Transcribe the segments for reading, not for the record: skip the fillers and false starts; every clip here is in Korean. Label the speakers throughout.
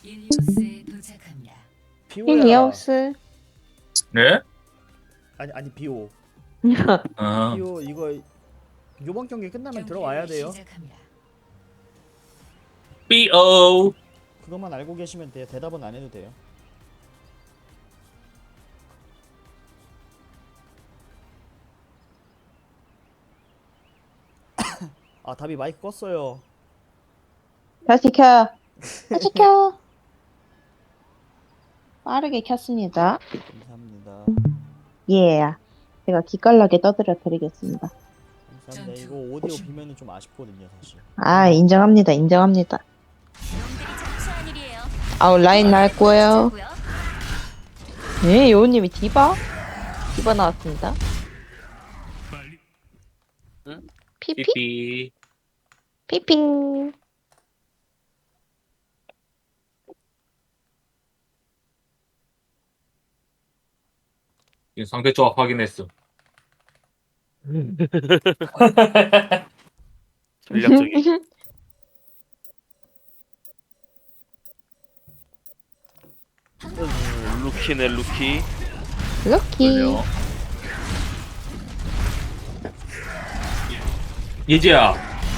Speaker 1: 일리오스에 도착합니다.
Speaker 2: 비오야.
Speaker 3: 힐리오스.
Speaker 4: 네?
Speaker 2: 아니 비오.
Speaker 4: 아,
Speaker 2: 비오 이거 요번 경기 끝나면 들어와야 돼요.
Speaker 1: 시작합니다.
Speaker 4: B.O.
Speaker 2: 그것만 알고 계시면 돼요. 대답은 안 해도 돼요. 아 답이 마이크 껐어요.
Speaker 3: 다시 켜. 다시 켜. 빠르게 켰습니다.
Speaker 2: 감사합니다.
Speaker 3: 예. 제가 기깔나게 떠들어 드리겠습니다.
Speaker 2: 감사합니다. 이거 오디오 비면은 좀 아쉽거든요 사실.
Speaker 3: 아, 인정합니다. 인정합니다. 아우, 라인 날 거예요. 예, 요우님이 디바? 디바 나왔습니다.
Speaker 4: 응?
Speaker 3: 피피?
Speaker 4: 삐삐.
Speaker 3: 피핑.
Speaker 4: 지금 상대 조합 확인했어.
Speaker 5: 전략적인. 루키네 루키.
Speaker 3: 럭키.
Speaker 4: 그래요. 예지야.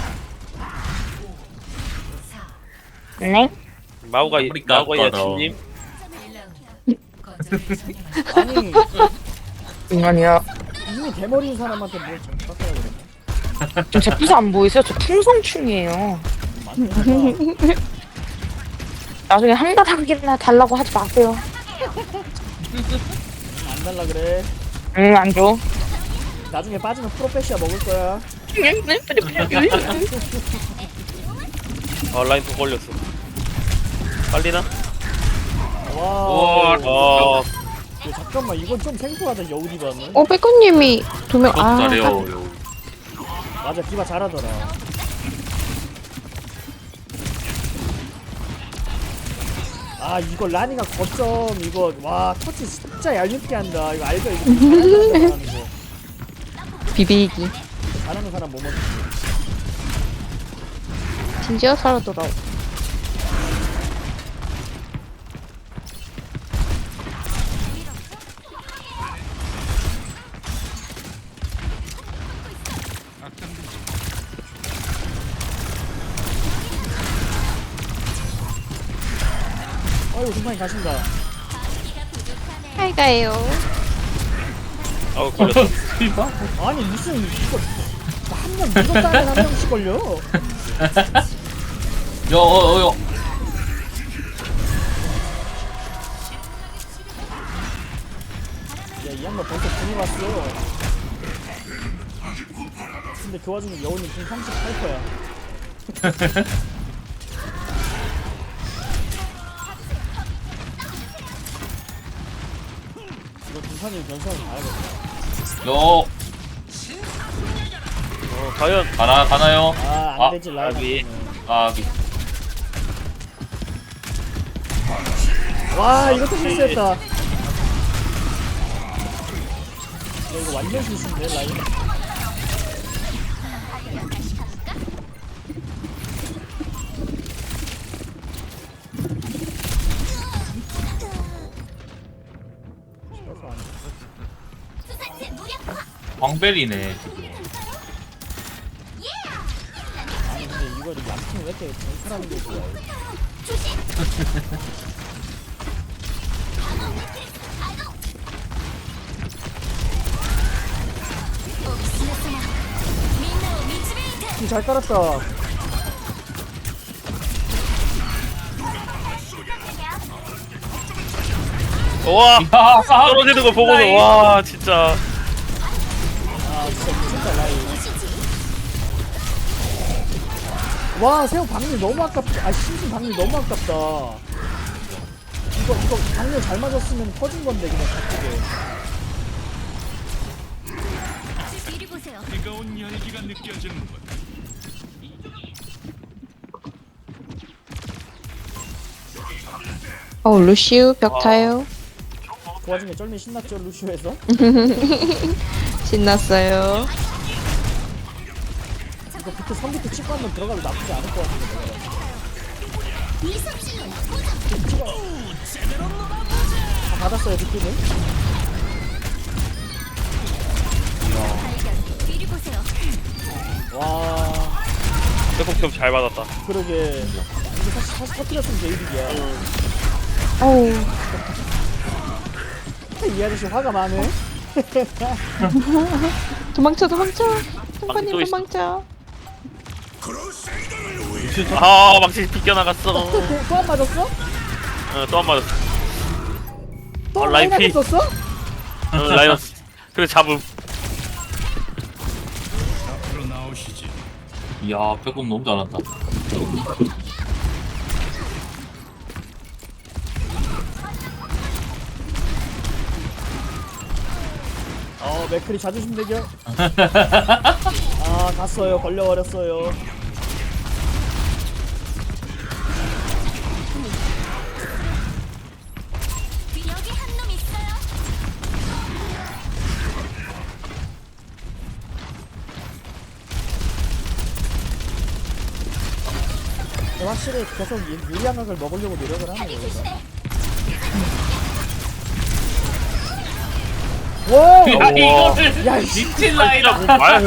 Speaker 3: 네?
Speaker 5: 마우가
Speaker 4: 아프리카 거다.
Speaker 5: 야친님.
Speaker 1: 1라운드. 거점을 점령합니다.
Speaker 2: 아니
Speaker 3: 인간이야.
Speaker 2: 이미 대머리인 사람한테 뭘 좀 깎아야 되나?
Speaker 6: 좀 제 부서 안 보이세요? 저 풍성충이에요.
Speaker 2: 맞네.
Speaker 6: 나중에 한 가닥이나 달라고 하지 마세요.
Speaker 2: 안 달라 그래.
Speaker 6: 응, 안 줘.
Speaker 2: 나중에 빠지면 프로페시아 먹을 거야.
Speaker 5: 아 라인 또 걸렸어. 빨리나?
Speaker 2: 와.
Speaker 5: 아
Speaker 2: 잠깐만 이건 좀 생소하다 여우디바는.
Speaker 3: 빼꾸님이 두 명,
Speaker 4: 그것도
Speaker 3: 아.
Speaker 4: 잘해요.
Speaker 2: 맞아 디바 잘하더라. 아 이거 라니가 거점 이거 와 터치 진짜 얄밉게 한다. 이거 알죠? 이거 잘하는 사람 이거.
Speaker 3: 비비기.
Speaker 2: 잘하는 사람 뭐 먹지?
Speaker 3: 진지어 살아 돌아오.
Speaker 2: 아이고 금방이 가신다.
Speaker 3: 잘 가요.
Speaker 5: 아우 걸렸어.
Speaker 2: 아니 무슨 이거 한 명 밀었다면 한 명씩 걸려.
Speaker 4: 여.
Speaker 2: 야이 양반 벌써 분이 왔어. 근데 그 와중에 여우님 지금 38%야. 이거 등산이 변수를 봐야겠다.
Speaker 4: 여.
Speaker 5: 과연
Speaker 4: 가나요?
Speaker 2: 아
Speaker 4: 아,
Speaker 2: 안되지 라이브.
Speaker 5: 아비.
Speaker 4: 아,
Speaker 2: 와 이것도 실수했다. 야, 이거 완전 실수인데 라인.
Speaker 4: 광벨이네.
Speaker 2: 아니 근데 이거 양팀 왜 이렇게 전술하는 게 좋아? 잘 깔았다.
Speaker 5: 와
Speaker 4: 야,
Speaker 5: 떨어지는 거 보고는 와 진짜.
Speaker 2: 아 진짜 미쳤다 라인. 와 새우 방률 너무 아깝다. 아 신신 방률 너무 아깝다. 이거 방률 잘 맞았으면 터진 건데 그냥 갑자기.
Speaker 3: 루시우 벽 타요.
Speaker 2: 그 와중에 쩔미 신났죠 루시오에서?
Speaker 3: 신났어요.
Speaker 2: 이거 비트 3비트 찍고 한번 들어가도 나쁘지 않을 것 같은데 내가. 다 받았어요 느낌은. 와
Speaker 5: 백폭 잘 받았다.
Speaker 2: 그러게 이게 사실 터뜨렸으면 제이득이야.
Speaker 3: 어우.
Speaker 2: 이 아저씨 화가 많네.
Speaker 3: 도망쳐, 도망쳐. 똥파님
Speaker 5: 또 있어.
Speaker 3: 도망쳐.
Speaker 5: 아 망치 비껴나갔어.
Speaker 2: 또 안 맞았어?
Speaker 5: 또 안 맞았어.
Speaker 2: 또
Speaker 5: 라인
Speaker 2: 라인한테
Speaker 5: 피.
Speaker 2: 썼어?
Speaker 5: 라이언스. 그래 잡음.
Speaker 4: 이야 빼꼼 너무 잘한다.
Speaker 2: 맥클이 자존심 대결. 아 갔어요. 걸려버렸어요. 확실히 계속 유리한 각을 먹으려고 노력을 하네요. 와!
Speaker 4: 야 이거를
Speaker 2: 야, 씨.
Speaker 4: 미친 라이다.
Speaker 5: 뭐 말.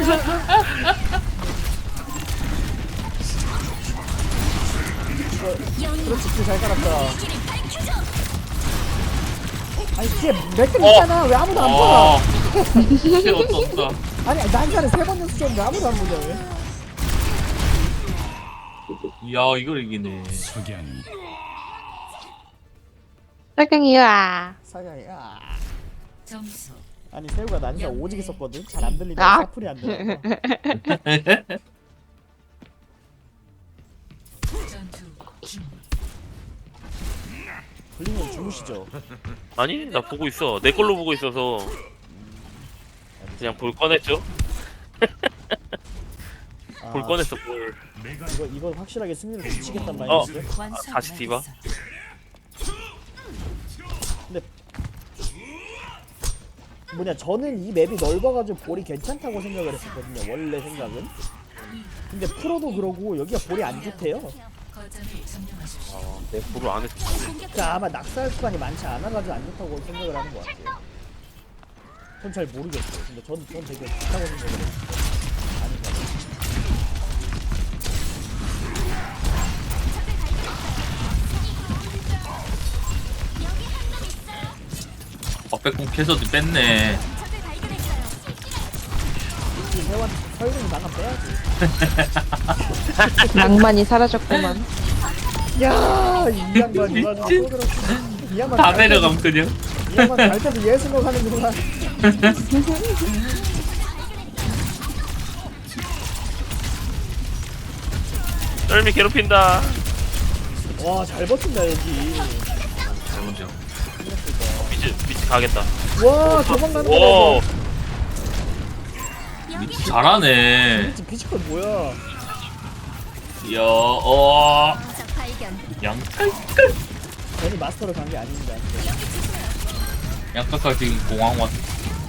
Speaker 2: 그렇지, 잘 깔았다. 아니, 뒤에 맥클 있잖아. 왜 아무도 안 봐?
Speaker 4: 진짜 어떤다.
Speaker 2: 아니, 난사를 3번 연습했는데 아무도 안 보냐, 왜?
Speaker 4: 이야 이걸 이기네.
Speaker 3: 빨강이야.
Speaker 2: 사야야.
Speaker 1: 점수
Speaker 2: 아니, 새우가 난사 오지게 썼거든? 잘 안 들리네.
Speaker 3: 아.
Speaker 2: 사풀이 안 들려.
Speaker 1: 전투 중
Speaker 2: 불리면 주무시죠.
Speaker 5: 아니 나 보고 있어. 내 걸로 보고 있어서 그냥 볼 꺼냈죠.
Speaker 2: 아,
Speaker 5: 볼 꺼냈어 볼.
Speaker 2: 이거 확실하게 승리를 붙이겠단
Speaker 5: 어.
Speaker 2: 말이지.
Speaker 1: 완성
Speaker 5: 다시 디바.
Speaker 2: 뭐냐, 저는 이 맵이 넓어가지고 볼이 괜찮다고 생각을 했었거든요. 원래 생각은. 근데 프로도 그러고 여기가 볼이 안 좋대요.
Speaker 1: 거점을 점령하십시오.
Speaker 5: 내 볼을 안 했어.
Speaker 2: 그러니까 아마 낙사할 구간이 많지 않아가지고 안 좋다고 생각을 하는 것 같아요. 전 잘 모르겠어요. 근데 전 되게 좋다고 생각을 했어요. 아닌 것 같아요.
Speaker 4: 빼꼼 캐서도 뺐네.
Speaker 2: 세원 설명이 나가 빼야지.
Speaker 3: 낭만이 사라졌구만.
Speaker 2: 야, 이 양반 이 양반 또 그렇지. 이 양반
Speaker 4: 다
Speaker 2: 갈 때도-
Speaker 4: 내려감 그냥.
Speaker 2: 이 양반 갈 때도 예술로 가는구만.
Speaker 5: 썰미 괴롭힌다.
Speaker 2: 와, 잘 버틴다 여기.
Speaker 4: 먼저.
Speaker 5: 미치 가겠다.
Speaker 2: 와, 도망간다.
Speaker 5: 오.
Speaker 4: 미치 잘하네.
Speaker 2: 지금 피지컬 뭐야?
Speaker 4: 이야 양칼.
Speaker 2: 괜히 마스터를 간 게 아닙니다.
Speaker 4: 양칼 지금 공항 왔.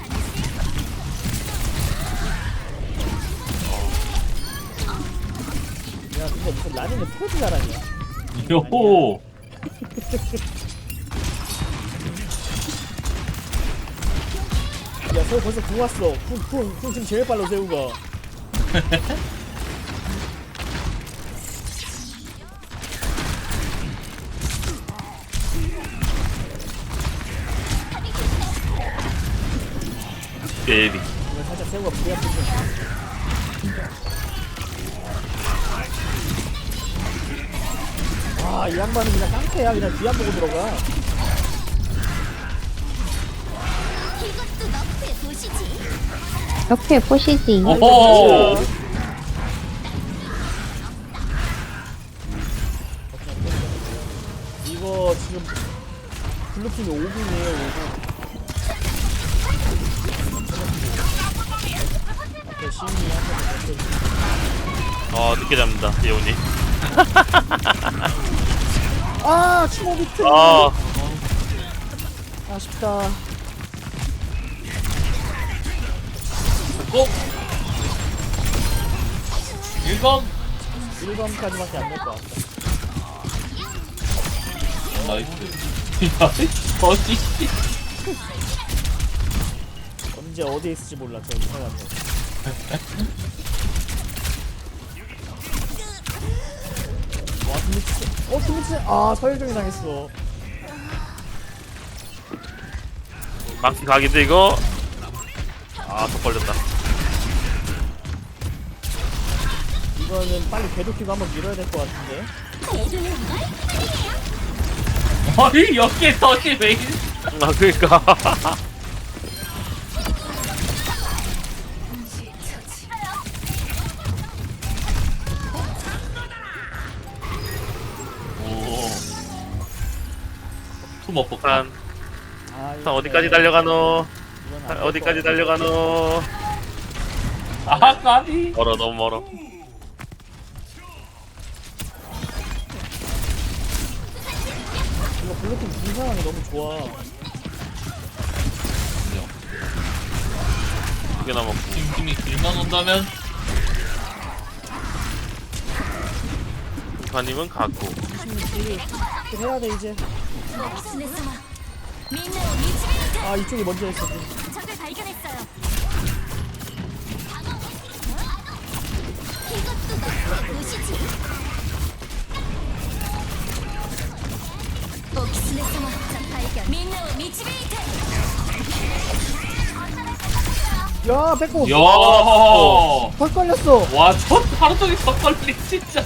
Speaker 2: 야, 근데 무슨 라니는 프로즈 잘하냐?
Speaker 4: 요호.
Speaker 2: 야, 새우 벌써 궁 왔어. 궁 지금 제일 빨라, 새우가.
Speaker 5: 베이비.
Speaker 2: 이거 살짝 새우가 무리한 부분. 아, 이 양반은 그냥 깡패야. 그냥 뒤 안 보고 들어가.
Speaker 3: 옆에 보시지.
Speaker 4: 오호.
Speaker 2: 이거 지금 블루팀이 5분이에요, 5분. 앞에 시인이 한번
Speaker 5: 늦게 잡는다 예원이.
Speaker 2: 아, 추모 비트.
Speaker 5: 아
Speaker 2: 아쉽다.
Speaker 4: 꼭. 1검.
Speaker 2: 1검까지밖에 안 될 것 같다.
Speaker 4: 나이스. 어디?
Speaker 2: 언제 어디에 있을지 몰라 저 이상한데. 와 스미스 아 서열정이 당했어.
Speaker 5: 망치 각인데 이거. 더 걸렸다.
Speaker 2: 이거는 빨리 궤도키고 한번 밀어야 될 것 같은데.
Speaker 4: 아니 여기에 덫이 왜 있?
Speaker 5: 그니까.
Speaker 4: 오. 투머 폭탄.
Speaker 5: 산 어디까지 달려가노? 어디까지 달려가노?
Speaker 4: 아 까비.
Speaker 5: 멀어 너무 멀어.
Speaker 2: 이거 블루팀 분상황이 너무 좋아.
Speaker 5: 두개 남았고.
Speaker 4: 팀이 길만 온다면
Speaker 5: 이파님은 갖고.
Speaker 2: 좀 해야 돼 이제. 아 이쪽이 먼저 했어.
Speaker 7: 적을 발견했어요. 이것도 너 보시지. 오키스네스마 적 발견. 민노 미치베이트.
Speaker 2: 야 뺏고.
Speaker 4: 야.
Speaker 2: 헐 걸렸어.
Speaker 4: 와저 하루 종일 턱걸리 진짜.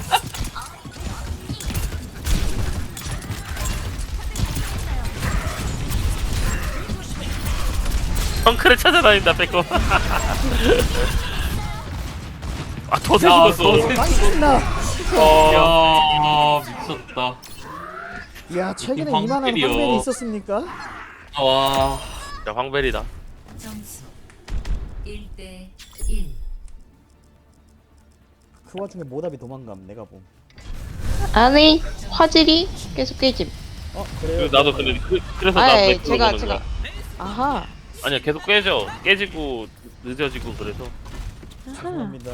Speaker 5: 덩크를 찾아다닌다 뺏고. 덫에
Speaker 4: 야,
Speaker 5: 죽었어.
Speaker 4: 덫에
Speaker 2: 망친다.
Speaker 4: 야 미쳤다.
Speaker 2: 야 최근에
Speaker 4: 이게
Speaker 2: 이만한
Speaker 4: 황벨이요.
Speaker 2: 황벨이 있었습니까?
Speaker 4: 와.
Speaker 5: 자 황벨이다.
Speaker 1: 점수 1대 1.
Speaker 2: 그 와중에 모답이 도망감 내가 봄.
Speaker 3: 아니 화질이 계속 깨짐.
Speaker 2: 그래요?
Speaker 5: 나도 근데 그래서 나
Speaker 3: 아예
Speaker 5: 뺏고 보는
Speaker 3: 제가
Speaker 5: 거야.
Speaker 3: 아하.
Speaker 5: 아니야 계속 깨지고 늦어지고 그래서.
Speaker 3: 아하.
Speaker 2: 죄송합니다.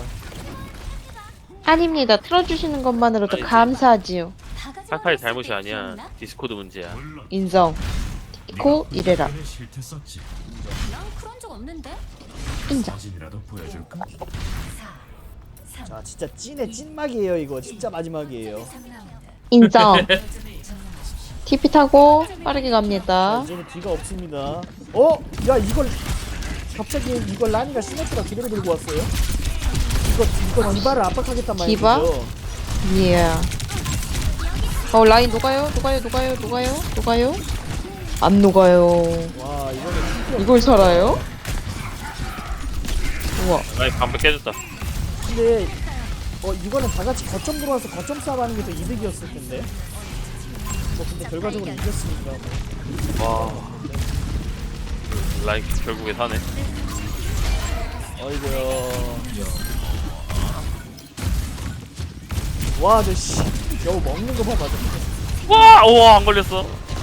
Speaker 3: 아닙니다. 틀어주시는 것만으로도 감사하지요.
Speaker 5: 카카의 잘못이 아니야. 디스코드 문제야.
Speaker 3: 인정. 티코 이래라.
Speaker 7: 난 그런 적 없는데.
Speaker 3: 인정.
Speaker 1: 4, 3,
Speaker 2: 자 진짜 찐의 찐막이에요 이거. 진짜 마지막이에요.
Speaker 1: 3라운드.
Speaker 3: 인정.
Speaker 1: 거점을 점령하십시오.
Speaker 3: TP 타고 빠르게 갑니다.
Speaker 2: 이제는 뒤가 없습니다. 어? 야 이걸 갑자기 이걸 라니가 시네트가 그대로 들고 왔어요? 이거 디바를 압박하겠단 말이죠.
Speaker 3: 디바? 예. 라인 녹아요? 녹아요? 안 녹아요.
Speaker 2: 와 이거는
Speaker 3: 이걸 살아요? 우와.
Speaker 5: 아니 반백 깨졌다.
Speaker 2: 근데 이거는 다 같이 거점 들어와서 거점 싸움하는 게 더 이득이었을 텐데. 근데 결과적으로 이겼으니까.
Speaker 5: 와. 라인 결국에 사네.
Speaker 2: 어이구야. 와, 저 씨. 겨우 먹는 거 봐, 맞아.
Speaker 5: 와, 우와 안 걸렸어.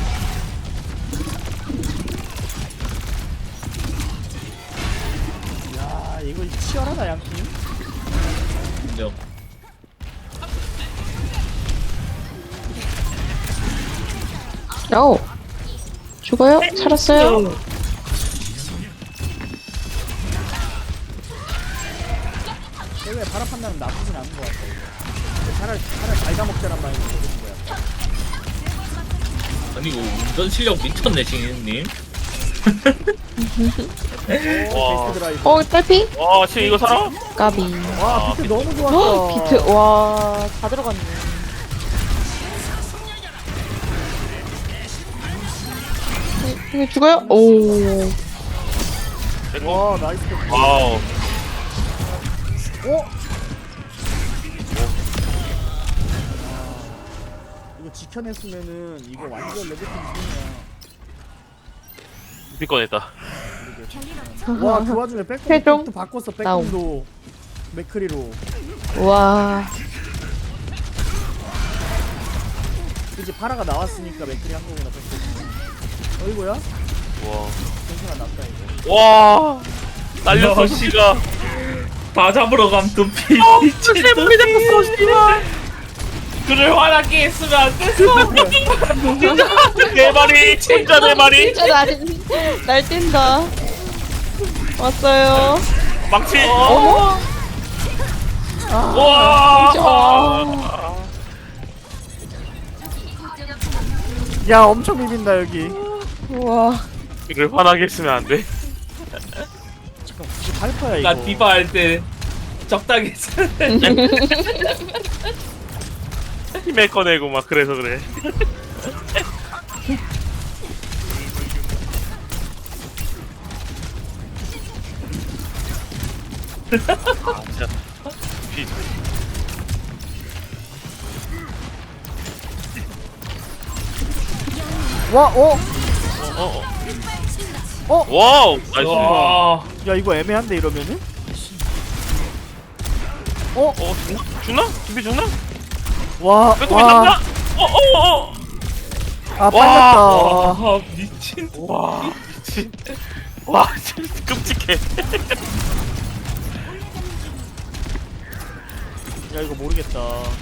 Speaker 2: 야, 이거 치열하다, 양팀.
Speaker 4: 인정.
Speaker 3: 오. 죽어요? 살았어요?
Speaker 2: 대회 바람 판단은 나쁘진 않은 것 같아. 차라리 달다 먹자란 말이 되는 거야.
Speaker 4: 아니 이거 운전 실력 미쳤네 싱님.
Speaker 5: 와.
Speaker 2: 베이스 드라이브.
Speaker 3: 딸피?
Speaker 5: 와, 지금 이거 살아?
Speaker 3: 까비.
Speaker 2: 와, 비트 너무
Speaker 3: 헉,
Speaker 2: 좋았어.
Speaker 3: 비트. 와, 다 들어갔네. 이거 죽어요? 오.
Speaker 2: 와, 나이스.
Speaker 5: 와우.
Speaker 2: 어? 이거 지켜냈으면은 이거 완전 레드팀 승이야.
Speaker 5: 비꺼냈다.
Speaker 2: 와, 그 와중에
Speaker 3: 최종
Speaker 2: 백홈도 바꿨어. 백홈도 맥크리로.
Speaker 3: 와.
Speaker 2: 이제 파라가 나왔으니까 맥크리 한 거구나. 백홈. 어이구야?
Speaker 5: 와.
Speaker 2: 괜찮아, 났다 이거.
Speaker 5: 와. 날렸어 씨가.
Speaker 4: 다 잡으러 감 둠피.
Speaker 5: 세분이 잡혔어 씨발.
Speaker 4: 그를 화나게 했으면 안 됐어.
Speaker 5: 네 마리 진짜 네 마리.
Speaker 3: 진짜 날뛴다. 왔어요.
Speaker 5: 망치.
Speaker 3: 어머.
Speaker 5: 와.
Speaker 2: 야 엄청 비빈다 여기.
Speaker 3: 우와.
Speaker 5: 그를 화나게 했으면 안 돼.
Speaker 2: 잠깐 이게 발파야 이거.
Speaker 4: 나 디바 할 때 적당히 했어.
Speaker 5: 힘에 꺼내고 막 그래서 그래. 아, 진짜. 피.
Speaker 2: 와 어?
Speaker 5: 와우, 나이스.
Speaker 4: 와.
Speaker 2: 야 이거 애매한데 이러면은?
Speaker 5: 죽나? 준비 죽나?
Speaker 2: 와.
Speaker 5: 빼고
Speaker 2: 와.
Speaker 5: 있나?
Speaker 2: 아
Speaker 5: 와.
Speaker 2: 빨렸다.
Speaker 4: 아 미친.
Speaker 5: 와, 미친. 와, 진짜 끔찍해.
Speaker 2: 야 이거 모르겠다.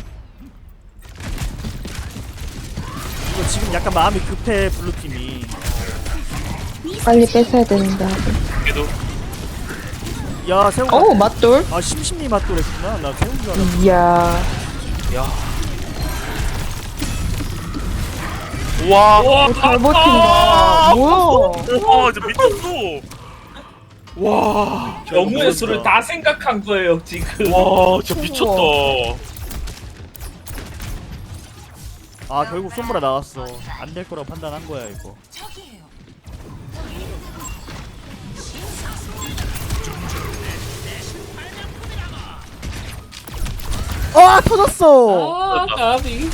Speaker 2: 이거 지금 약간 마음이 급해 블루팀이.
Speaker 3: 빨리 뺏어야 된다.
Speaker 5: 그래도
Speaker 2: 야 세훈.
Speaker 3: 어우 맞돌.
Speaker 2: 아 심심이 맛도랬구나. 나 세훈 줄 알았어.
Speaker 3: 이야.
Speaker 5: 와,
Speaker 3: 잘 버틴다. 뭐야?
Speaker 5: 와, 진짜 미쳤어. 와,
Speaker 4: 영웅의 수를 다 생각한 거예요 지금.
Speaker 5: 와, 진짜 미쳤다.
Speaker 2: 아 결국 솜브라 나왔어. 안 될 거라고 판단한 거야 이거. 아 터졌어.
Speaker 4: 아 나비.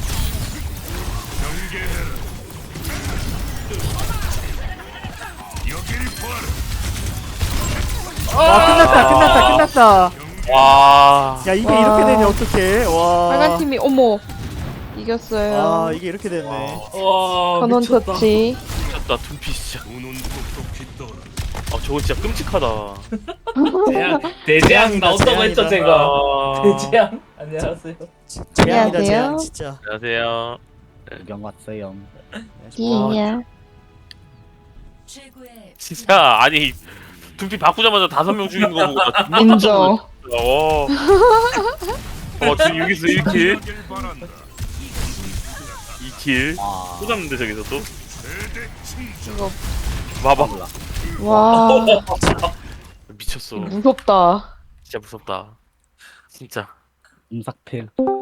Speaker 2: 와 끝났다.
Speaker 5: 와,
Speaker 2: 야 이게
Speaker 3: 와.
Speaker 2: 이렇게 되네 어떡해. 와.
Speaker 3: 빨간 팀이 어머 이겼어요.
Speaker 2: 아 이게 이렇게 됐네.
Speaker 4: 와
Speaker 3: 전원
Speaker 4: 미쳤다.
Speaker 3: 터치.
Speaker 5: 미쳤다. 둠피 진짜. 아, 저거 진짜 끔찍하다.
Speaker 4: 대재앙 나온다고 했죠 제가.
Speaker 5: 아,
Speaker 4: 대재앙 안녕하세요.
Speaker 2: 재앙이다
Speaker 3: 안녕하세요.
Speaker 2: 재앙 진짜.
Speaker 5: 안녕하세요.
Speaker 8: 구경 왔어요.
Speaker 3: 이야.
Speaker 1: 최고의
Speaker 5: 진짜 아니 둠피 바꾸자마자 5명 죽이는 거 보고 나 존나
Speaker 3: 인정.
Speaker 5: 지금 여기서 1킬 2킬
Speaker 8: 아,
Speaker 5: 또 잡는데 저기서 또
Speaker 3: 이거
Speaker 5: 봐봐
Speaker 3: 와
Speaker 5: 미쳤어
Speaker 3: 무섭다.
Speaker 5: 진짜 무섭다 진짜
Speaker 8: 음삭필.